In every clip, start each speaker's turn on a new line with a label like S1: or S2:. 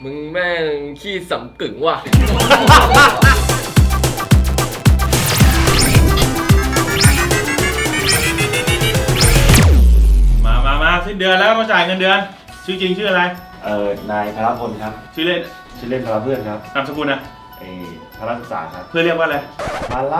S1: มึงแม่งขี้สำกึ่งว่ะ
S2: มาสิ้นเดือนแล้วมาจ่ายเงินเดือนชื่อจริงชื่ออะไร
S3: นายพลพลครับ
S2: ชื่อเล่น
S3: ชื่อเล่นพลเพื่อนครับ
S2: นามสกุลนะ
S3: พลศึกษาครับ
S2: เพื่อนเรียกว่าอะไร
S3: มาละ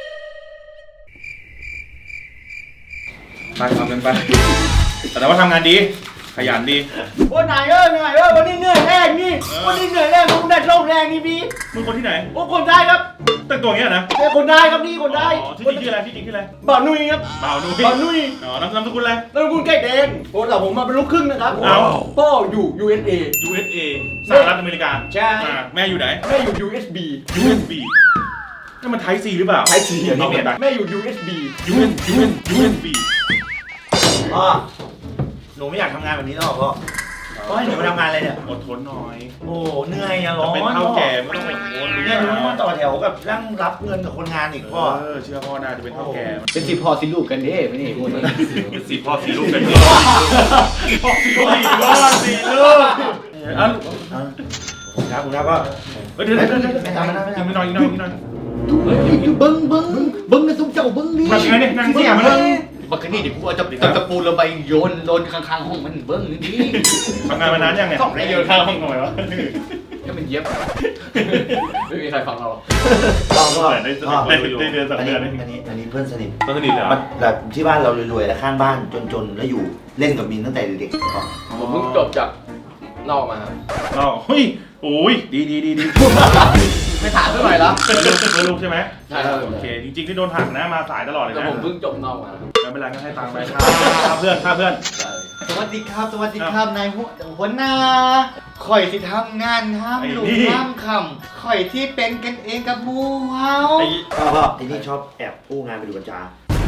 S2: ไปทำกันไปแต่ว่าทำงานดีขยันดี
S4: โอ้นายเหนื่อยวันนี้เหนื่อยแรกนี่วันนี้เหนื่อยแรกผมได้โรคแรงนี่พี่
S2: มึงคนที่ไหน
S4: โอ้คนได้ครับ
S2: แต่งตัวอย่างเงี้ยนะ
S4: เป็นคนได้ครับนี่คนได้
S2: อ๋อชื่อจริงชื่ออะไรชื่อจริงชื่ออะไร
S4: บ่าวนุ้ยครับ
S2: บ่าวนุ้ย
S4: บ่าวนุ้ย
S2: อ๋อนามสกุลอะไร
S4: แล้วคุณไก่แดงโอ้แต่ผมมาเป็นลูกครึ่งนะครับ
S2: เอา
S4: พ่ออยู่ USA
S2: USA สหรัฐอเมริกา
S4: ใช่
S2: แม่อยู่ไหน
S4: แม่อยู่ USB
S2: USB นั่นมันไทป์ C หรือเปล่า
S4: ไทยซี
S2: เอาเปลี่ยนไป
S4: แม่อยู่ USB
S2: USB
S3: พ่อหนูไม่อยากทำงานแบบนี้แล้วหรอพ่อพ่อให้หนูมาทำงานอะไรเนี่ย
S2: อดทนหน่อย
S3: โอ้เหนื่อยอะร้อน
S2: เป็นเท่าแก่ไม่ต้องอดทน
S3: เนี่ยหนูต้องมาต่อแถวกับนั่งรับเงินกับคนงานอีกพ่อ
S2: เชื่อพ่อน่าจะเป็นเท่าแก่
S4: เป็นสิพ่อสิลูกกันเด้ไม่นี่พูดนี่
S2: เป็นสี่พ่อสี่ลูกกันดีพ่อสี่ลูกสี่ลูกอ่ะ
S3: ครับคุณครับพ่อ
S2: เดี๋ยวไม่ทำไม่นอนอีกหน่อยอีกหน่อย
S4: เบิ้งนะทุกเจ้าเบิ้งนี่
S2: มาไงเนี่ยนั่งเสียมาเลย
S4: บักนี่เดี๋ยวกูเอาตะปูลงไปโยนข้างๆห้องมันเบิ้งนี่
S2: ทำงานมานานยังเนี่ย
S4: ต้องได้โยนข้างห้องหน่อยวะก็มันเย็บไม่มีใครฟังเรา
S3: พ่อ
S2: ได้เดือนสอง
S3: อัน
S2: เดื
S3: นี้
S2: อน
S3: อันนี้เพื่อนสนิท
S2: ต้นสนิทเหรอ
S3: แบบที่บ้านเรารวยๆแล้วข้างบ้านจนๆแล้วอยู่เล่นกับมินตั้งแต่เด็กๆพ่อ
S1: ผมเพิ่งจบจากนอกมาครับ
S2: อ๋อเฮ้ยโอ้ยดี
S4: ไม่ถามเท่าไหร่ละ
S2: เป็นลูกใช่ไหม
S1: ใช่ครับ
S2: โอเคจริงๆที่โดนหักนะมาสายตลอดเลย
S1: แต่
S2: นะ
S1: ผมเพิ่งจบนอกมาครับ
S2: ไม่เป็นไรก็ให้ตังค์ไปค่าเพื่อน
S4: สวัสดีครับนายหัวหน้าข่อยที่ทำงานห้ามลุงห้ามคำข่อยที่เป็นกันเองกับหมูเฮา
S3: พ่อไอ้นี่ชอบแอบกู้งานไปดูกัญชา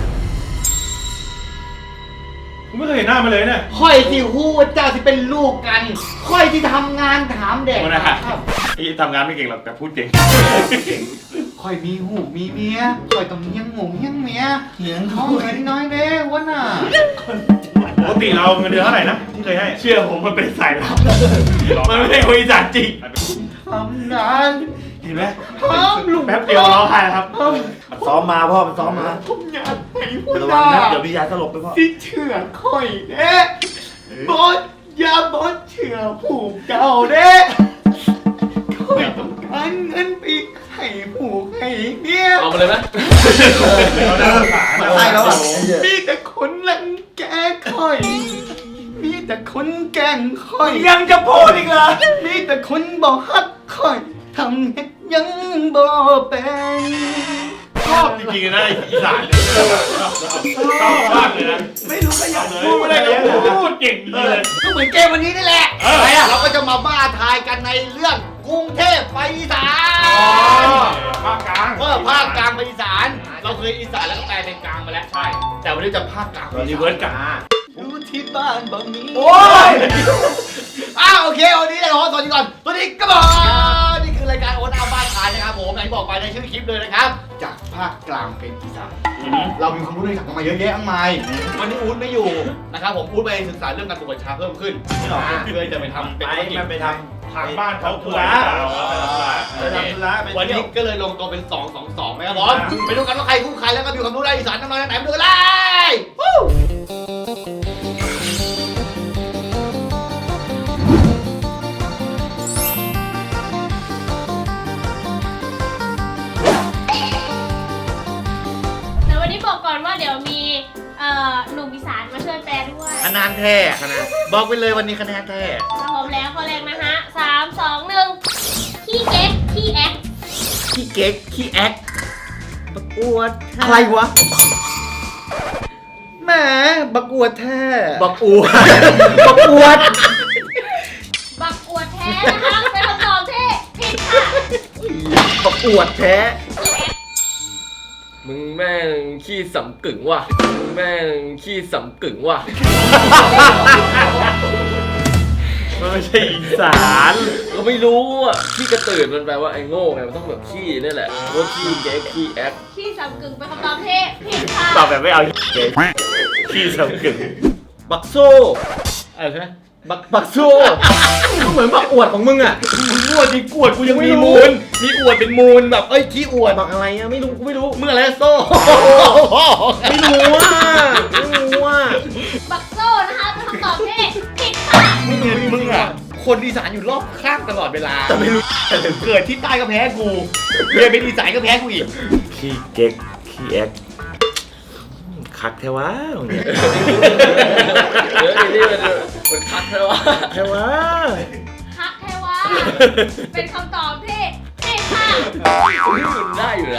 S2: กูไม่เคยเห็นหน้ามันเลยเนี่ย
S4: ข่อยที่ฮู้ว่าเจ้าที่เป็นลูกกันข่อยที่ทำงานถามเด็ก
S2: หัวหน้า
S4: ครับ
S2: ไอ้ทำงานไม่เก่งหรอกแต่พูดเก่ง
S4: ข่อยมีหูมีเมียข่อยต้องเลี้ยงหมูเลี้ยงเมีย
S3: เถียง
S4: เขาเงินน้อยเด้หัวหน้า
S2: ปกติเราเงินเดือนเท่าไหร่นะที่เคยให้
S3: เชื่อผมมันเป็นสายลับมันไม่ใช่คุยจานจริง
S4: ทำงาน
S3: เห็นไหม
S4: ห้ามลุง
S3: แป๊บเดียวร้องไห้ครับมันซ้อมมาพ่อมันซ้อมมา
S4: ผมอยากให้หัว
S3: ระ
S4: ห
S3: วัง
S4: น้า
S3: นะเดี๋ยวพี่ยาสลบไปพ่อ
S4: ที่เชื่อข่อยเด้บอสอย่าบอสเชื่อผูกเก่าเด้ข่อยต้องการเงินไปให้ผูกให้เมีย
S1: เอามาเลยไหม
S2: เราได้ภาษา
S3: ใช่แล้วอ่ะ
S4: มีแต่คนรังแกข่อย มีแต่คนแกล้งข่อย
S3: ยังจะพูดอีกเหรอ
S4: มีแต่คนบอกฮักข่อยทำเฮ็ดยังบ่เป็น
S2: ชอบจริงๆนะอีสานชอบมากเลยนะ
S3: ไม่รู้ก็อยาก
S2: พูดไม่ได้ก็พูดเก่งเลย
S4: ก็เหมือนเกมวันนี้นี่แหละ
S2: อะไรอะ
S4: เราก็จะมาบ้าทายกันในเรื่องกรุงเทพไปอีสาน
S2: ภาคกลาง
S4: ภาคกลางไปอีสาน เราเคยอีสานแล้วก็แปลเป็นกลางมาแล้วใช่ แต่วันนี้จะภาคกลางไป
S2: รีเวิร์สกลาง
S4: อยู่ที่บ้านบ่มี
S3: โอ้ย
S4: โอเควันนี้เราสวัสดีก่อนสวัสดีครับผมนี่คือรายการโอนอาบ้านทายนะครับผมอย่างที่บอกไปในชื่อคลิปเลยนะครับ จากภาคกลางเป็นอีสาน เรามีความรู้ในสังคมมาเยอะแยะมากมายวันนี้อู๊ดไม่อยู่นะครับผมอู๊ดไปศึกษาเรื่องการปลูกกัญชาเพิ่มขึ้นเพื่อจะไปทำเป็นธุรกิจ
S3: มันไปท
S2: ทางบ้านเขา
S3: ธุ
S2: คุย
S3: ระ
S2: เปล่า
S3: ไปทำธุระไป
S4: วัน
S3: เที่ย
S4: นี้
S3: ว
S4: ก็เลยลงตัวเป็น 2-2-2ไหมครับผมไปดูกันว่าใครคู่ใครแล้วก็มีความรู้ด้านอีสานน้ำมันไหนไปดูกันเลยวู้
S5: แต่วันนี้บอกก่อนว่าเดี๋ยวมีหนุ่มอีสานมาช่วยแปลด้วย
S4: คะแนนแท้คะแนนบอกไปเลยวันนี้คะแนนแท้
S5: ถ้าพร้อมแล้วข้อแรกนะฮะ3-2-1ขี้เก๊กขี้แอ๊ก
S4: ขี้เก๊กขี้แอ๊กบักอวดอะไรวะแหมบักอวดแท้บักอวดบักอวด
S5: บักอวดแท้นะคะเป็นคำตอบที่ผิดค่ะ
S4: บักอวดแท้
S5: ขี้แอ๊ก
S1: มึงแม่งขี้สำกึ่งว่ะมึงแม่งขี้สำกึ่งว่ะ
S2: มันไม่ใช่อีสาน
S1: ก็ไม่รู้อ่ะขี้กระตือนมันแปลว่าไอ้โง่ไงมันต้องแบบขี้นี่แหละว่าขี้เก๊กขี้แอ๊ก
S5: ขี้สำกึ่งเป็นคำตอบที่ผิดค่ะ
S2: ตอบแบบไม่เอาขี้สำกึ่ง
S4: บักโซ่อะไรใช่ไหมบักโซ่เหมือนบักอวดของมึงอ่ะ
S3: มึงอวดดิกวดกูยังมีมูลมีอวดเป็นมูลแบบเอ้ยขี้อวด
S4: บักอะไรอ่ะไม่รู้กูไม่รู้
S3: มึงอะไรโซ่
S4: ไม่รู้อ่ะไม่รู้อ่ะ
S5: บักโซ่นะคะเป็นคำตอบที่ผิดค่ะ
S3: มึงอ่ะคนอีสานอยู่รอบข้างตลอดเวลาแต่ไม่รู้เกิดที่ใต้ก็แพ้กูเรียนเป็นอีสานก็แพ้กูอีก
S4: ขี้เก๊กขี้แอ๊กคักแท้วะเนี่ย
S1: เดี๋ยวนี่มันคัดแล้ววะ
S4: แท้วะ
S5: คักเทวะเป็นคำตอบที่ผิดค่ะ
S1: มันได้อยู่นะ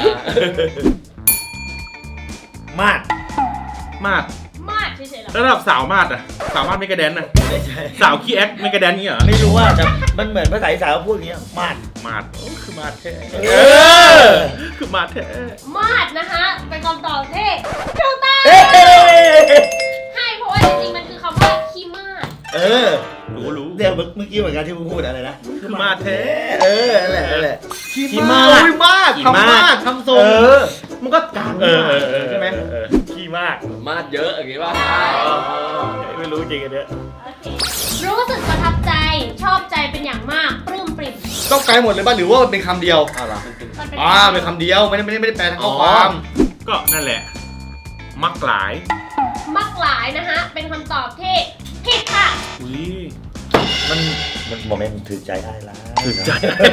S3: มาด
S2: มาด
S5: มาดเฉยๆหรอ
S2: ระดับสาวมาดอะสาวมาดไม่กระแดนนะ
S3: ไม่ใช่
S2: สาวขี้แอ๊กไม่กระแดนนี่เหรอ
S3: ไม่รู้ว่าแต่มันเหมือนภาษาอีสานเขาพูดอย่างเงี้ยมาด
S2: มาดโอ้คือมาดแท้
S3: เออ
S2: คือมาดแท้
S5: มาดนะคะเป็นคำตอบที่ถูกต้อง
S3: เอ้ย
S5: ให้เพราะว่าจริงๆมันคือคำว่าขี้มาด
S3: เออ
S2: รู้
S3: เดี๋ยวเมื่อกี้เหมือนกันที่มึงพูดอะไรนะ
S2: คือมาดแท้
S3: เออนั่นแหละนั่นแหละ
S4: ขี้มาด
S3: อุ้ยมากทำมากทำทรง
S4: เออมันก็กลาง
S2: ใช่ไหมขี้มาก
S1: มาดเยอะอย่างงี้ป่ะ
S2: ไม่รู้จริงอันเนี้ย
S5: โอเครู้สึกประทับใจชอบใจเป็นอย่างมากปลื้มปริ่ม
S3: ต้องแปลหมดเลยป่ะหรือว่ามันเป็นคำเดียว
S4: เอาล่ะ
S5: มันเป็น
S3: เป็นคำเดียวไม่ได้แปลทั้งข้อความ
S2: ก็นั่นแหละ มักหลาย
S5: มักหลายนะคะเป็นคำตอบที่ผิดค่ะ
S2: อุ้ย
S3: มันโมเมนต์ถือใจได้ละ
S2: ถึงใจ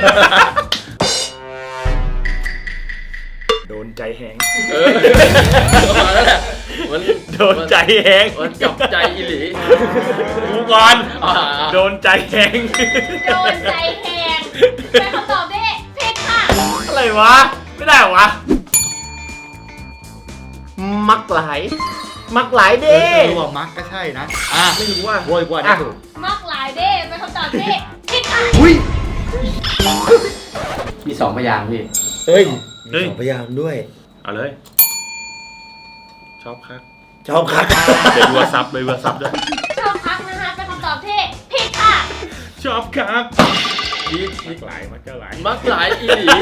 S2: โดนใจแหง
S1: เออประมาณนั้นแหละมัน
S2: โดนใจแหง
S1: มันจับใจอีหลี
S2: กูก่อน
S1: อ่า
S2: โดนใจแหง
S5: โดนใจแหงเป็นคำตอบที่ผิดค่ะ
S2: อะไรวะ ไม่ได้เหรอวะ
S4: มักหลายมักหลายเด้
S3: รู้ว่ามักก็ใช่นะ
S4: ไม่รู้ว่า
S3: โวยกว่าได้ถูก
S5: มักหลายเด้เป็นคำตอบที่ผิดค่ะ
S3: อุ้ย
S1: มี2พยางค์พี่
S3: เฮ้ย
S2: เฮ้ย
S3: มีสองพยางค์ด้วย
S2: เอาเลย ชอบครับ
S3: ชอบคัก
S2: เดี๋ยวดูว่าซับเลยว่าซับด้วย
S5: ชอบพักนะคะเป็นคำตอบที่ผิดค่ะ
S2: ชอบครับ
S1: พี่
S2: มักหลายมักหลาย
S1: มักหลายอีหลี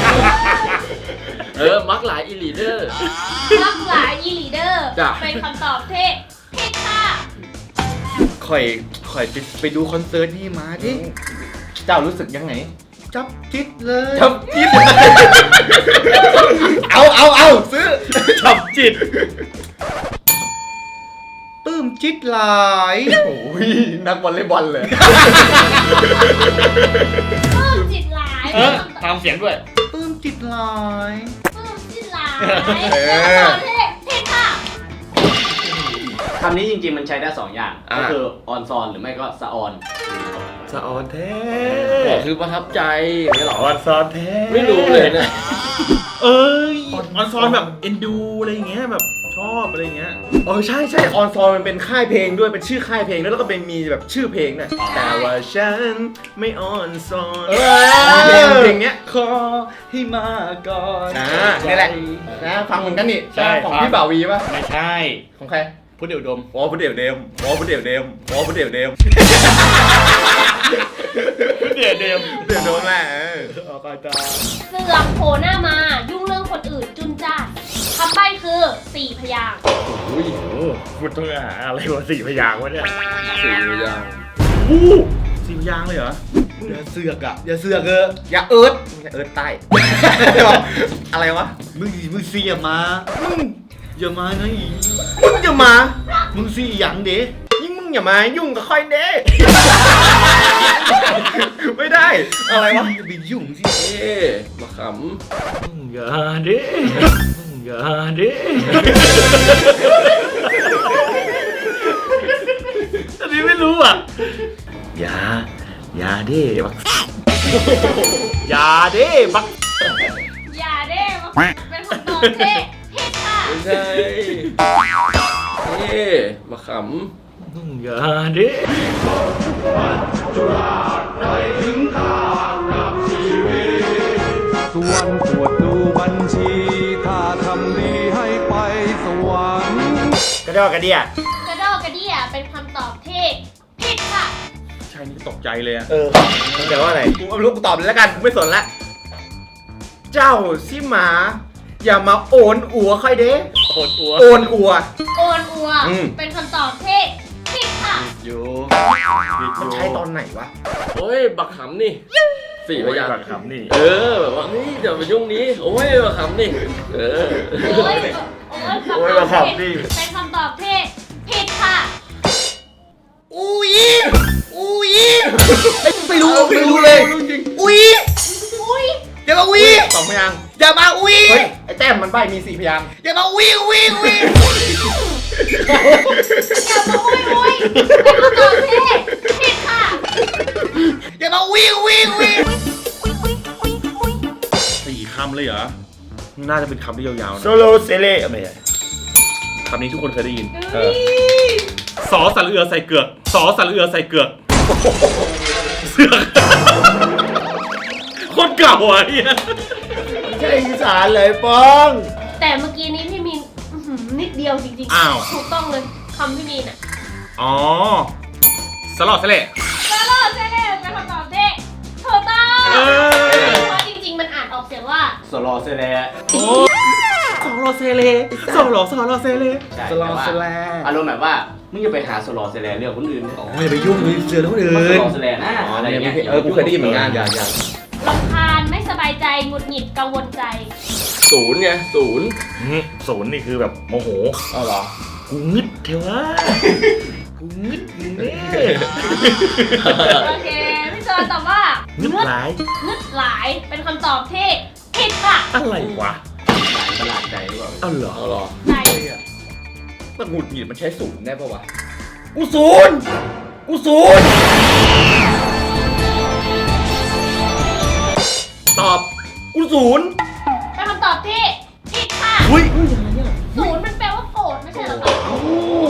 S1: มักหลายอีหลีเด้อ
S5: มักหลายอีหลีเดอร์
S1: จ้ะ
S5: เป็นคำตอบที่ผิดค่ะ
S3: ข่อยไปดูคอนเสิร์ตนี่มาดิ
S4: เจ้ารู้สึกยังไง
S3: จับจิตเลย
S4: จับจิ๊บ
S3: เอาซื้อ
S2: จับจิต
S3: ปลื้มจิตหลาย
S4: โอ้ยนักวอลเลย์บอลเลย
S5: ปลื้มจิตหลายเป็นคำตอบ
S3: ตามเสียงด้วยปลื้มจิตหลาย
S5: ปลื้มจิตหลายเป็นคำตอบที่ผิดค่ะ
S6: คำนี้จริงๆมันใช้ได้ 2 อย่าง ก็คือออนซอนหรือไม่ก็สะออน
S4: สะออนแท้
S1: คือประทับใจอย่างเงี้ยเหรอ
S2: ออนซอนแท้
S1: ไม่รู้เลยเนี่ย
S2: เอ้ยออนซอนแบบเอ็นดูอะไรอย่างเงี้ยแบบชอบอะไรอย่างเงี้ย
S4: ใช่ออนซอนมันเป็นค่ายเพลงด้วยเป็นชื่อค่ายเพลงด้วยแล้วก็เป็นมีแบบชื่อเพลงน่ะแต่ว่าฉันไม่ออนซอนเพลงเนี้ย
S3: ขอให้มาก่อน
S4: นี่แหละนะฟังเหมือนกันนี่
S3: ใช่
S4: ของ
S3: ฟัง
S4: พี่บ่าววีป่ะ
S3: ไม่ใช่
S4: ของใคร
S3: พุทธเดี่ยวดม
S4: อ๋อพุทธเดี่ยวเดมอ๋อพุทธเดี่ยวเดมอ๋อพุทธเดี่ยวเดม
S2: เดี๋ยวเดม
S4: เดี๋ยวโดนแหละ
S3: ออกไปจ้า
S5: เสือกโผล่หน้ามายุ่งเรื่องคนอื่นจุนจ้านคำใบ้คือ 4 พยางค์
S2: อุ้ยพูดต้องหาอะไรวะ4 พยางค์วะเนี่ย
S1: 4 พยางค์
S2: อู้4 พยางค์เลยเหรอ
S3: อย่าเสือกอย่าเสือก
S4: อย่าเอิร์ธเอิร์ธใต้ อะไรวะ
S3: มึงเสียมาอย่ามานะอี
S4: มึงอย่ามา
S3: มึงเสียหยังเด้
S4: ยิ่งมึงอย่ามายุ่งกับค่อยเด้ ไม่ได้อะไรวะ
S3: อย่าไปยุ่งสิ
S1: มาข
S2: อย่าเด้อย่าเด้อันนี้ไม่รู้อ่ะ
S3: อย่าเด้บัก
S2: อย่าเด้บัก
S5: อย่าเด้มาเป็นคำตอบที่ผิดค่ะ
S1: ำไม่ใช่มาข
S2: อย่าเด้
S7: ส่วนตรวจดูบัญชี ถ้าทำดีให้ไปสวรรค์
S3: กระดอกกระเดีย
S5: กระดอกกระเดี่ยเป็นคำตอบที่ผิดค่ะ
S2: ใช่นี่ตกใจเลยอ่ะ
S4: มันแปลว่าอะไรกูไม่รู้กูตอบเลยแล้วกันกูไม่สนละเจ้าสิหมา อย่ามาโอนอัวค่อยเด้
S2: โคตรอัว
S4: โอนอัว
S5: โอนอัว
S4: อืม
S5: เป็นคำตอบที่ผิดค่ะ
S3: อยู่
S2: ผิด
S3: มันใช้ตอนไหนวะ
S1: โอ้ยบักขำนี่สี่พยาง
S2: บั
S1: ค์
S2: กขำนี่
S1: เออแบบว่าเฮ้ยเดี๋ยวไปยุ่งนี้โอ้ยบักขำนี่เออ
S5: โอ้ยโอ้ยคำตอบผิดเป็นคำตอบที่ผิดค่ะ
S4: อุ้ยไม่รู้เลย อุ้ย
S5: อุ้ย
S4: อย่ามาอุ้ย
S3: สองพยางค์
S4: อย่ามาอุ้ย
S3: เฮ้ยไอ้แต้มมันใบมี4พยางค์
S4: อย่ามาอุ้ย
S5: อย่ามาอุ้ยอุ้ยเป็นคำตอบที่ผิดค่ะ
S4: อย่ามาอุ้ย
S2: 4 คำเลยเหรอ น่าจะเป็นคำที่ยาวๆ
S3: โซ
S2: นะ
S3: โลเซเล่ไม่ใช่
S2: คำนี้ทุกคนเคยได้ยิน
S5: เฮ้ย
S2: สอสระเอือใส่เกือก สอสระเอือใส่เกือก เสือกคนเก่าอ่ะเนี่ย
S3: ใช่อีสานเลยป้อง
S5: แต่เมื่อกี้นี้พี่มีนนิดเดียวจริง
S2: อ้าว
S5: ถูกต้องเลยคำพี่มีนอ่ะ
S2: อ๋อสลอดสะเละ
S5: ตลอดใช่เลยเป็นคำตอบที่ถูกต้อง
S2: เออ
S5: เพราะจริงๆมันอ่านออกเสียงว่า
S6: สโลเซเล
S2: โอ้สอรอเซเลสอรอเซเล
S6: ใช่
S3: สลอเซแล
S6: อารมณ์แบบว่ามึงอย่าไปหาสโลเซเลเรื่องคนอื่น
S3: อ๋ออย่าไปยุ่งมีเสือคนอื่
S6: มันส
S3: น
S6: โลเซเลนะอะไรอย่างเงี้ย
S3: กูเคยได้ยินเหมือนกันอย่าง
S5: รำคาญไม่สบายใจหงุดหงิดกังวลใจ
S1: ศูนย์ไงศูนย์
S2: ศูนย์นี่คือแบบโมโห
S3: อ๋อเหรอ
S2: กูงึดเทวะกูงึดอยู่เนี่ย
S5: โอเคพี่จอยตอบว่าง
S2: ึดหลาย
S5: งึดหลายเป็นคำตอบที่ผิดค่ะ
S2: อะไรวะ
S6: ประหลาดใจหรือเปล่า
S2: อ้าวเหรอ
S1: เอาหรอ
S5: ใจ
S3: มันหงุดหงิดมันใช้ศูนย์ได้ปะวะ
S4: กูศูนย์
S3: ตอบกูศูนย์
S5: เป็นคำตอบที่ผิดค่ะ
S3: อุ้ย
S5: ศูนย์มันแปลว่าโกรธไม่ใช่เหรอคะ
S3: โอ้โห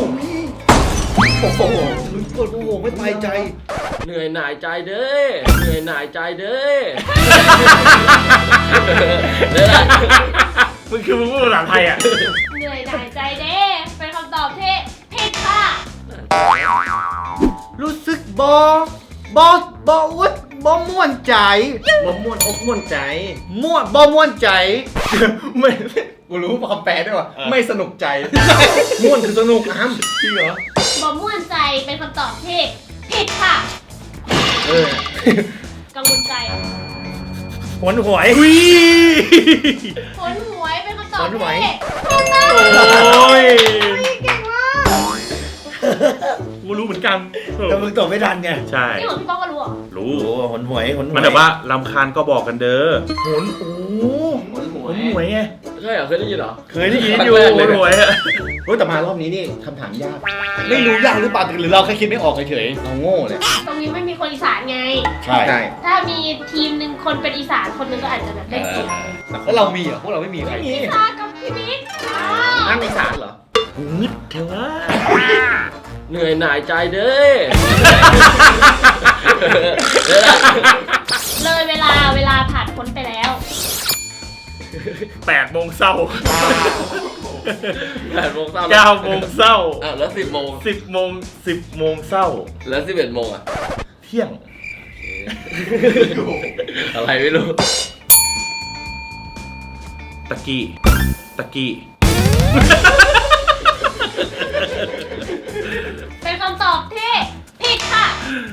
S3: ปวดโอ้โหไม่ตายใจ
S1: เหนื่อยหน่ายใจเด้อเหนื่อยหน่ายใจเด้อเดี๋ยวนะ
S2: มึงคือมึงพูดภาษาไทยอ่ะ
S5: เหนื่อยหน่ายใจเด้เป็นคำตอบที่ผิดค่ะ
S4: รู้สึกบอุดม่วนใจ
S3: บ่ม่วนอกม่วนใจ
S4: ม่วนใจ
S3: ไม่กูรู้คำแปลด้วยว่ะไม่สนุกใจ ม่วนคือสนุกอ้ำจริงเหรอ
S5: บ่ม่วนใจเป็นคำตอบที่ผิดค่ะ
S3: เออ
S5: กังวลใจ
S3: หวนหวย
S2: วิ
S5: ผลหวยเป็นคำตอบ
S3: ผลหวย
S5: ที่ถูกต้อง
S2: โอ้ย
S5: เก่งมาก
S2: กูรู้เหมือนกัน
S3: แต่มึงตอบไม่ทันไง
S2: ใช่
S5: นี่ของพี่ป้องก็รู้เหรอ
S2: รู้
S3: โอ้หวนหวยหวนหวย
S2: มันแบบว่าลำคาญก็บอกกันเด้อ
S3: หวนโอ้หวนหวยไง
S1: ใช่เหรอเคยได้ยินเหรอ
S2: เคยได้ยินอยู่
S1: ครั้งแรกเลย
S2: หวยอะ
S3: เฮ้ยแต่มารอบนี้นี่คำถามยาก ไม่รู้ยากหรือเปล่าหรือเราแค่คิดไม่ออกเฉยๆเราโง่เลย
S5: ตรงนี้ไม่มีคนอีสานไง
S3: ใช่
S5: ถ้ามีทีมหนึ่งคนเป็นอีสานคนหนึ่งก็อาจจะแบบได้เก่ง
S3: แล้วเรามีเหรอพวกเราไม่มีใครมี
S5: ตากับพี่บิ๊กอ้าว
S3: นั่งอีสานเหรอ
S2: กูงึดเทวะ
S1: เหนื่อยหน่ายใจเด้อเดี๋ยวนะ
S5: เลยเวลาผ่านพ้นไปแล้ว
S2: 8 โมงเช้า
S1: 8 โมงเช้า
S2: 9 โมงเช้า
S1: อ้าวแล้ว10 โมง
S2: 10 โมงเช้า
S1: แล้ว11 โมงอ่ะ
S2: เที่ยง
S1: อะไรไม่รู้
S2: ตะกี้
S5: เป็นคำตอบที่ผิดค่ะ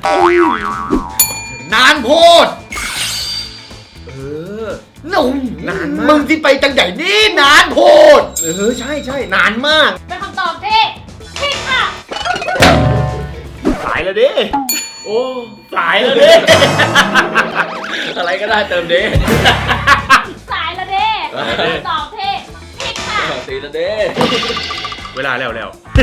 S4: นานโพด หนุ่ม
S3: นานมาก
S4: มึงที่ไปจังใหญ่นี่นานโพด
S3: ใช่ใช่นานมาก
S5: เป็นคำตอบที่ผิดค่ะ
S2: สายแล้วดิ
S1: โอ้
S2: สายแล้วดิ
S1: อะไรก็ได้เติมเด้
S5: สายละเด้เป็นคำตอบที่ผิดค่ะ
S1: ตีละเด้
S2: เวลาแล้ว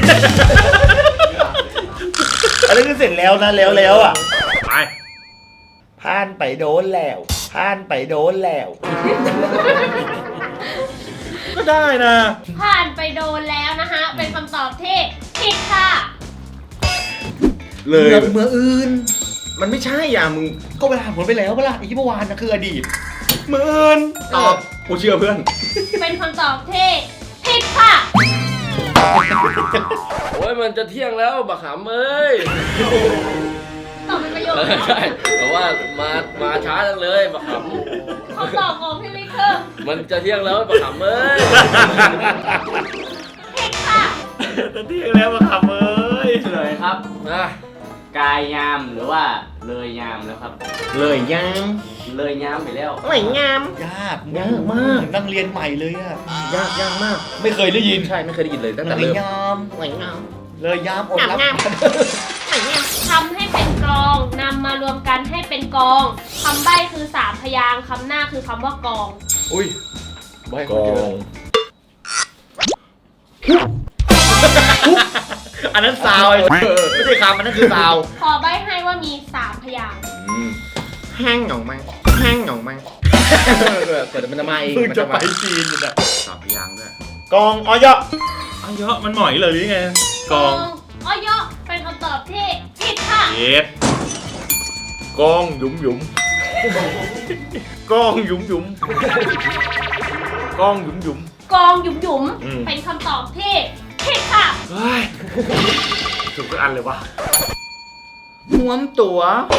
S3: อันนี้คือเสร็จแล้วนะแล้วอ่ะ
S2: ไป
S3: ผ่านไปโดนแล้วผ่านไปโดนแล้ว
S2: ก็ได้นะ
S5: ผ่านไปโดนแล้วนะคะ เป็นคำตอบที่ผิดค่ะ
S3: เลย
S4: เมื่ออื่น
S3: มันไม่ใช่อ่ะมึง
S4: ก็เวลาผลไปแล้วเวลาอีกเมื่อวานนะคืออดีต
S3: หมื่นตอบกูเชื่อเพื่อน
S5: เป็นคำตอบที่ผิดค่ะ
S1: โอ้ยมันจะเที่ยงแล้วบักขำเอ้ย
S5: ตอบเป็นประโยค
S1: ใช่แต่ว่ามาช้าจังเลยบักข
S5: คำตอบของพี่มิกคือ
S1: ำมันจะเที่ยงแล้วบักขำเอ้ย
S5: ผิดค่ะ
S2: ตะเที่ยงแล้วมาขับเอ้ย
S6: เฉลยครับ
S1: นะ
S6: กายยามหรือว่าเลยยามแล้วครับ
S3: เลยยัง
S6: เลยยามไปแล้ว
S3: ไม่งามยาก
S1: ยากมาก
S3: นั่งเรียนใหม่เลยอะ
S1: ยากมาก
S3: ไม่เคยได้ยิน
S1: ใช่ไม่เคยได้ยินเลยตั้งแต่
S3: เลย
S1: เริ่ม
S3: ยามไม่งามเลยยามอดรับ
S5: ทำให้เป็นกลองนำมารวมกันให้เป็นกองคำใบ้คือ3พยางค์คำหน้าคือคำว่ากอง
S1: อุ้ยใบ
S3: ก
S1: คน
S3: อ
S1: เดียว
S3: งอันนั้นซาวไอ้ไม่ใช่คำอันนั้นคือซาว
S5: ขอใบ้ให้ว่ามี3พยางค์
S3: แห้งหน่องไหมแห้งหน่องไหม
S1: เกิดมันจะมาเอง
S3: เพิ่ง
S1: มัน
S3: จะ
S1: จะ
S3: ไป
S1: มา
S3: จีนอยู่นะ
S2: สามพยางค์ด้วย
S3: กองออยะ
S2: อ้าวเยอะมันหมอยเลยหรือไงกอง
S5: อ้อยะเป็นคำตอบที่ผิดค่ะ
S2: เย็ด
S3: กองหยุมหยุมกองหยุมหยุมกองหยุมหยุม
S5: กองหยุมหยุม
S3: อืม
S5: เป็นคำตอบที่ผิดค่ะ
S2: เฮ้ยถูกทุกอันเลยวะ
S3: ห่วมตัว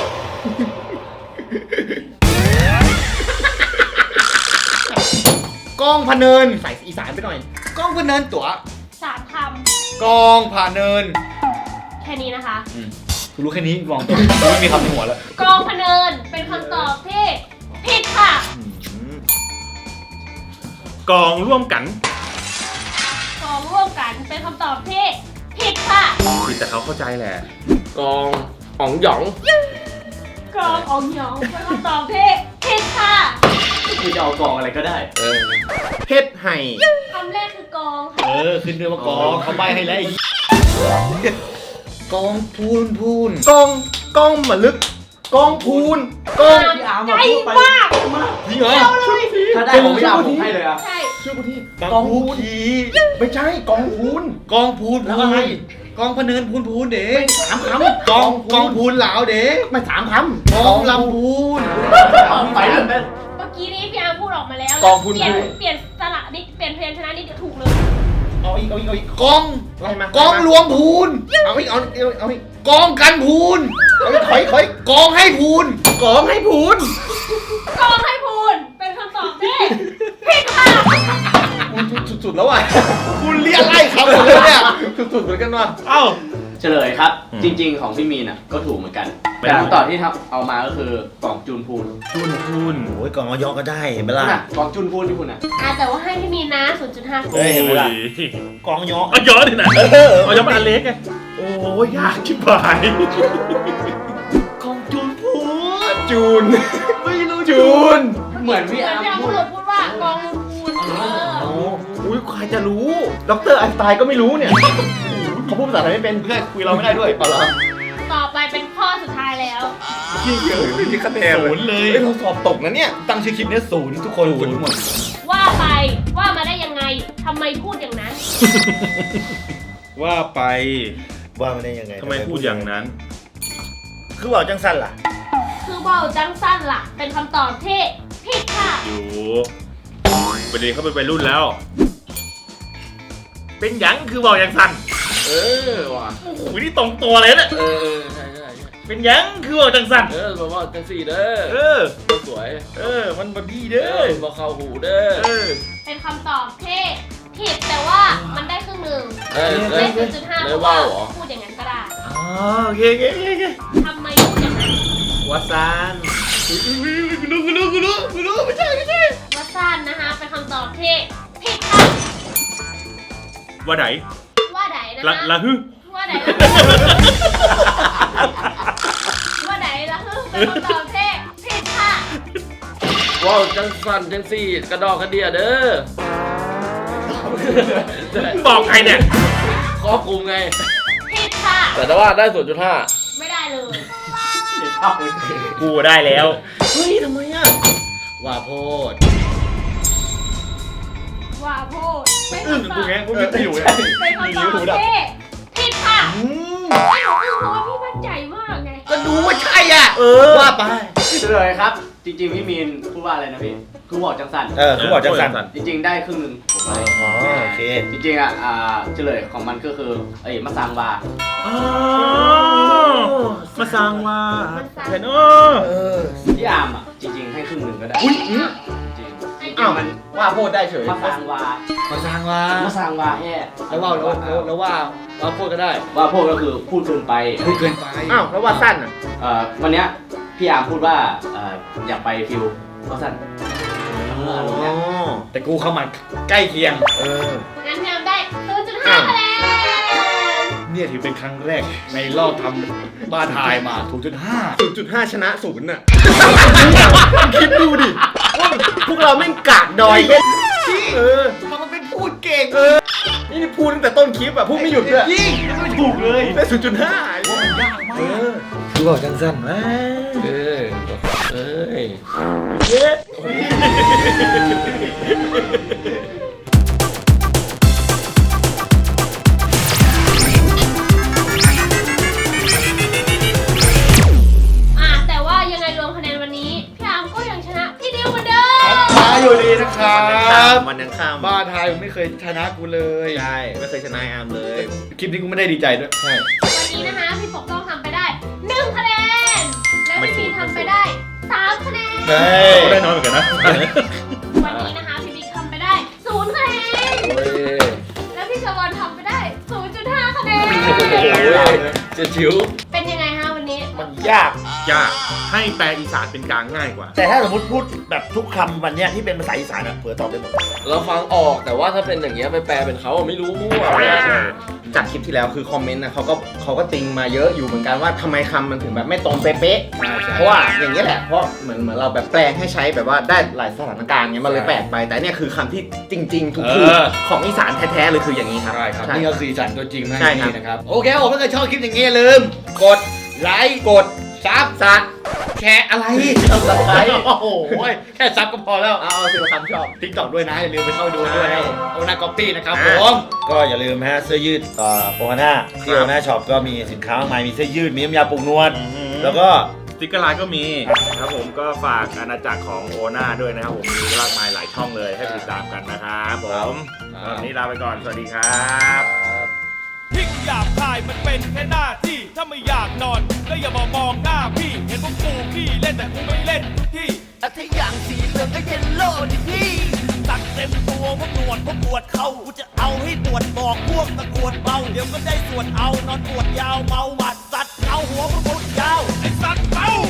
S3: กองพะเนินใส่อีสานไปหน่อย กองพะเนินตัว
S5: 3 ค
S3: กองพะเนิน
S5: ำแค่นี้นะคะ
S3: กูรู้แค่นี้ลองตัวไม่มีคำในหัวแล้ว
S5: กองพะเนินเป็นคำตอบที่ผิดค่ะ
S2: กองร่วมกัน
S5: กองร่วมกันเป็นคำตอบที่ผิดค่ะ
S2: ผิดแต่เขาเข้าใจแหละ
S1: กองอ๋องหยอง
S5: กองอองหยองเป็นคำตอบที่ผิดค่ะ
S6: คือจะเอากองอะไรก็ได้
S3: เพชรไห่
S5: คำแรกคือกองค่ะ
S3: ขึ้นเรือมากองเขาใบให้แล้วไอ้กองพูนกองมาลึกกองพูนกอง
S6: พี่อาร์ม
S5: ใจ
S6: พูดไป
S5: มาก
S3: จริงเหรอ
S6: ถ้าได้ของพี่อาร์มผมให้เลยอะ
S5: ใช่
S3: กองพูนไม่ใช่กองพูนกองพูนแล้วอะไรกองพะเนินพูนเด็กสามคำกองพูนเหลาเด็กไม่สามคำกองลำพูน
S6: ไปเลย
S5: เมื่อกี้นี้พี่อาร์มพูดออกมาแล้ว
S1: กองพูน
S5: เปลี่ยนสระนิดเปลี่ยนเพลงชนะนิดเดียวถูกเลย
S3: เอาอีกกองรวมพูนเอาอีกกองกันพูนถอยกองให้พูนกองให้พูน
S5: กองให้พูนเป็นคำตอบที่ผิดค่ะ
S3: สุดๆแล้วอ่ะคุณเรียกไล่เขาหมดเลยเนี่ยสุดๆเหมือนกันว่ะ
S2: เอ้า
S6: เฉลยครับ จริง ๆ ของพี่มีนอ่ะก็ถูกเหมือนกัน แต่คำตอบที่เอามาก็คือกล่องจูนพูน
S2: จุนพูน
S3: โอ้ยกองออยอก็ได้เห็นไหมล่ะ
S6: น่ะกล่องจูนพูนที่คุณอ่ะ
S5: แต่ว่าให้พี่มีนะ 0.5
S2: โอ้ย
S3: กองยอ
S2: เอาย้อนดินะเอาย้อนมาอันเล็กไงโอ้ยยากชิบหาย
S3: กองจูนพูนจูนไม่รู้จูน
S6: เหมือนพี่
S5: เหมือน
S6: อาร์ม
S5: พี่อาร์ม
S6: พู
S5: พู
S6: ด
S5: ดพูดว่ากองพูน
S3: อุ้ยใครจะรู้ดรไอน์สไตน์ก็ไม่รู้เนี่ยเขาพูดภาษาไทยไม่เป็นเพื่อนคุยเราไม่ได้ด้วยเอาละ
S5: ต่อไปเป็นข้อสุดท้ายแล้ว
S3: ที่เกี่ยวไม่มีคะแนนศูนย์เลยเราสอบตกนะเนี่ยตั้งชื่อคลิปเนี่ยศูนย์ทุกคนศูนย์หมด
S5: ว่าไปว่ามาได้ยังไงทำไมพูดอย่างนั้น
S2: ว่าไป
S3: ว่ามันได้ยังไง
S2: ทำไมพูดอย่างนั้น
S3: คือว่าจังสั้นล่ะ
S5: คือว่าวจังสั้นล่ะ เป็นคำตอบที่ผิดค่ะ
S2: อยู่ประเด็นเขาเป็นวัยรุ่นแล้ว เป็นหยังคือบอกอย่างสั่น
S1: ว่ะ
S2: โอ้โหนี่ตรงตัวเลยเนี่ย
S1: ใช่ใช่
S2: เป็นหยังคือบอกจังสั่น
S1: บอกว่าจังสี่เด้อ
S2: เออ
S1: สวย
S2: มันบดี
S1: เด้
S2: เด้
S1: อ
S2: อ
S1: บอกเข้าหูเด้อ
S5: เป็นคำตอบที่ผิดแต่ว่ามันได้ครึ่งหนึ่ง
S1: เล
S5: ได้
S1: ย
S5: 0.5
S1: เล
S5: เพ
S1: ย
S5: ราะ
S1: ว่า
S5: ว่า
S1: เหรอ
S5: พูดอย่างนั้นก็ได้
S2: อ๋อโอเคโอเคโอเค
S5: ทำไมพูดอย่างนั้น
S2: วาซานกูรู้ไม่ใช่
S5: ว่าสั้นนะคะ เป็นคำตอบที่ผิดค่ะ
S2: ว่าไหน
S5: ว่าไหนนะ
S2: ละ
S5: คะ
S2: ละฮึ
S5: ว่าไหนละว่าไหนละฮึเป็นคำตอบที่ผิดค่ะ
S1: ว้าวจังสั่นจังสี่กระดอกกระเดียเด้อ
S2: บอกใครเนี่ย
S1: ครอบคลุมไง
S5: ผิดค่ะ
S1: แต่ว่าได้0.5
S5: ไม่ได้เลย
S2: กูได้แล้ว
S3: เฮ้ยทำไมอ่ะว่าโพด
S5: ว่าพูดเป็น
S3: อึ้ง
S5: คำต
S3: กู
S5: อบ
S3: ไงกูไม่อยู่ไง
S5: เป็นคำตอบที่ผิดค่ะไอ้หนูอึ้งเพราะว่าพี่มั่นใจมากไง
S3: ก็ดูว่าใช่อ่ะว่าไป
S6: เฉลยครับ จริง ๆ พี่มีนพูดว่าอะไรนะพี่คือบอกจังสัน
S3: คือบอกจังสั้น
S6: จริง ๆ ได้ครึ่งหนึ่งผมให้
S3: อ๋อโอเค
S6: จริงๆอ่ะเฉลยของมันก็คือมะซางวา
S2: อ๋อมาสร้างว่าเห็น
S3: เออ
S6: พี่อาร์มอ่ะจริง ๆ ให้ครึ่งหนึ่งก็ได้
S3: อุ้ย
S6: จริงๆ
S5: ให้
S6: จริงๆมัน
S5: โ
S4: ว่าโพดได้เฉย
S6: มาสร้างวา
S3: มาสร้างว่า
S6: มาสร้างวาแฮ่
S3: แล้วว่าพูดก็ได้
S6: ว่าพวกก็คือพูดเกินไป
S3: พูดเกินไป
S4: อ้าวแล้วว่าสั้นอ่ะ
S6: วันเนี้ยพี่อาร์มพูดว่าอยากไปฟิวว่าสั้น
S3: แต่กูเข้ามาใกล้เคียง
S5: งั้นพี่อาร์มได้ 0.5 คะแนน
S3: เนี่ยถือเป็นครั้งแรกในรอบทำบ้านทายมา0.5
S4: 0.5 ชนะ0น่ะ คิดดูดิว่าพวกเราแม่งกากดอยมันเป็นพูดเก่งนี่พูดตั้งแต่ต้นคลิปอ่ะพูดไม่หยุดด้วยยิ่งไม่ถูกเลยได้ 0.5
S3: มันยากมากคือบอกสั้นๆว่า
S1: เอ้ย
S5: แต่ว่ายังไงรวมคะแนนวันนี้พี่อาร์มก็ยังชนะพี่ดิวเหมือนเดิม
S3: มาอยู่ดีนะครับ
S4: มันยังข้าม
S3: บ้านทายไม่เคยชนะกูเลย
S4: ใช่ไม่เคยชนะอาร์มเลย
S3: คลิปนี้กูไม่ได้ดีใจด้วยใช่
S5: วันนี้นะคะพี่ปกต้องทำไปได้ 1 คะแนน และพี่บีทำไปได้ 3 คะแนน
S3: ก็ได้น้อยเหมือนกันนะ
S5: วันนี้นะคะพี่บิ๊กทำไปได้ 0 คะแนน และพี่ชวอนทำไปได้ 0.5 คะแนน
S1: จะชิว
S5: เป็นยังไงฮะวันนี้
S3: มันยากให้แปลอีสานเป็นกลางง่ายกว่า
S4: แต่ถ้าสมมติพูดแบบทุกคำวันเนี้ยที่เป็นภาษาอีสานอ่ะเผื่อตอบได้หมด
S1: เราฟังออกแต่ว่าถ้าเป็นอย่างเงี้ยไปแปลเป็นเขาอะไม่รู้มั่ว
S4: จากคลิปที่แล้วคือคอมเมนต์นะเขาก็ติงมาเยอะอยู่เหมือนกันว่าทำไมคำมันถึงแบบไม่ตรงเป๊ะๆเพราะว่าอย่างนี้ยแหละเพราะเหมือนเราแบบแปลงให้ใช้แบบว่าได้หลายสถานการณ์เงี้ยมันเลยแปลกไปแต่เนี่ยคือคำที่จริงๆถูกๆของอีสานแท้ๆเลยคืออย่างนี้ครับ
S3: ใช่ครับนี่ก็คืออีสานตัวจริงนะ
S4: ใช่ครับ
S3: นี่นะครับโอเคผมถ้าเกิดชอบคลิปอย่างนี้อย่าลืมกดไลค์กดซับแชร์อะไรโอ้โหแค่ซับก็พอแล้ว
S4: เอาสิว่าคำชอบ
S3: ติ๊กต็อกด้วยนะอย่าลืมไปเข้าไปดูด้วยนะเอาหน้าก๊อปปี้นะครับผม
S8: ก็อย่าลืมฮะเสื้อยืดโอฮาน่าที่โอฮาน่าช็อปก็มีสินค้ามากมายมีเสื้อยืดมีน้ำยาปรุงนวดแล้วก็
S2: สติ๊กเกอร์ไลน์ก็มีครับผมก็ฝากอาณาจักรของโอน่าด้วยนะครับผมมีมากมายหลายช่องเลยให้ติดตามกันนะครับผมวันนี้ลาไปก่อนสวัสดีครับ
S9: ที่กูอยากถ่ายมันเป็นแค่หน้าที่ถ้าไม่อยากนอนก็อย่ามามองหน้าพี่เห็นพวกกูพี่เล่นแต่กูไม่เล่นทุกที่ถ้าอย่างสีเหลืองก็เยลโล่ดิพี่ตัดเต็มตัวพวกหนวดพวกปวดเขากูจะเอาให้ปวดบอกพวกตะกวดเบาเดี๋ยวก็ได้ส่วนเอานอนปวดยาวเมาหมัดสัตว์เอาหัวพวกมึงยาวไอ้สัตว์